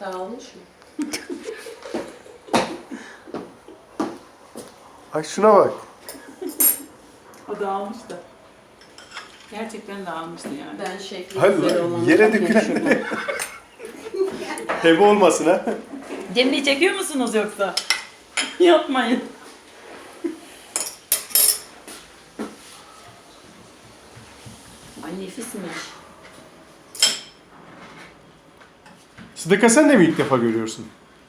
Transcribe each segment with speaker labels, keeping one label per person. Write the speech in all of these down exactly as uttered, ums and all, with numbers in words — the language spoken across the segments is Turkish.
Speaker 1: Dağılmış mı?
Speaker 2: Ay şuna bak.
Speaker 3: O dağılmıştı. Gerçekten dağılmıştı yani.
Speaker 1: Ben şekli
Speaker 2: Hayır,
Speaker 1: güzel olan
Speaker 2: yere dökülen hebe olmasın ha.
Speaker 3: Cemre'yi çekiyor musunuz yoksa? Yapmayın. Ay nefismiş.
Speaker 2: Sıdıka sen de mi ilk defa görüyorsun?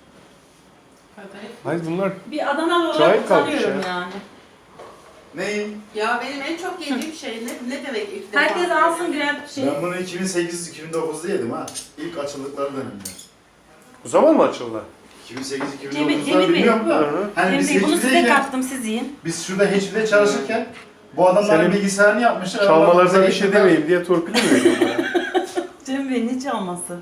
Speaker 2: Hayır bunlar
Speaker 3: Bir Adanalı
Speaker 2: Çay
Speaker 3: olarak
Speaker 2: kalmış
Speaker 3: utanıyorum
Speaker 2: ya.
Speaker 3: yani.
Speaker 4: Neyim?
Speaker 1: Ya benim en çok yediğim şey ne, ne demek ilk defa?
Speaker 3: Herkes alsın birer şey.
Speaker 4: Ben bunu iki bin sekiz iki bin dokuzda yedim ha. İlk açıldıkları dönemde.
Speaker 2: bu zaman mı açıldı?
Speaker 4: iki bin sekiz iki bin
Speaker 3: Cemil-
Speaker 4: dokuzda
Speaker 3: Cemil Bey.
Speaker 4: bilmiyorum da.
Speaker 2: Hı hı.
Speaker 4: Hani biz
Speaker 3: Cemre Bey, bunu size
Speaker 4: H P'deyken,
Speaker 3: kattım, siz yiyin.
Speaker 4: biz şurada H P'de çalışırken bu adamların
Speaker 2: Senin
Speaker 4: bilgisayarını yapmışlar.
Speaker 2: Çalmalarına
Speaker 4: Bize
Speaker 2: bir şey
Speaker 4: getirdiler.
Speaker 2: demeyeyim diye torpil mi veriyorlar ya?
Speaker 3: Cemre Bey ne çalması?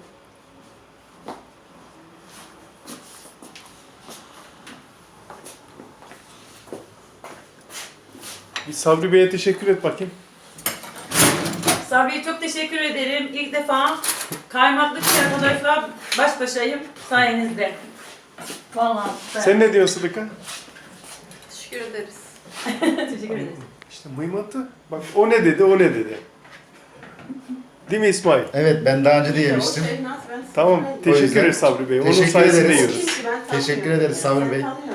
Speaker 2: Bir Sabri Bey'e teşekkür et bakayım.
Speaker 3: Sabri'ye çok teşekkür ederim. İlk defa kaymaklı arkadaşlar baş başayım sayenizde. Vallahi süper.
Speaker 2: Sen ne diyorsun Sıdıka?
Speaker 1: Teşekkür ederiz.
Speaker 3: Teşekkür ederiz.
Speaker 2: İşte mıymatı. Bak o ne dedi, o ne dedi. Değil mi İsmail?
Speaker 4: Evet ben daha önce de
Speaker 1: O
Speaker 4: yemiştim.
Speaker 1: şey nasıl ben
Speaker 2: Tamam,
Speaker 4: O
Speaker 2: teşekkür
Speaker 4: yüzden
Speaker 2: ederiz Sabri Bey. Onun
Speaker 4: teşekkür
Speaker 2: sayesinde
Speaker 4: ederiz.
Speaker 2: yiyoruz.
Speaker 1: Kimse ben
Speaker 4: Teşekkür
Speaker 1: tanımıyorum.
Speaker 4: ederiz Sabri
Speaker 1: Sen
Speaker 4: Bey.
Speaker 1: tanıyor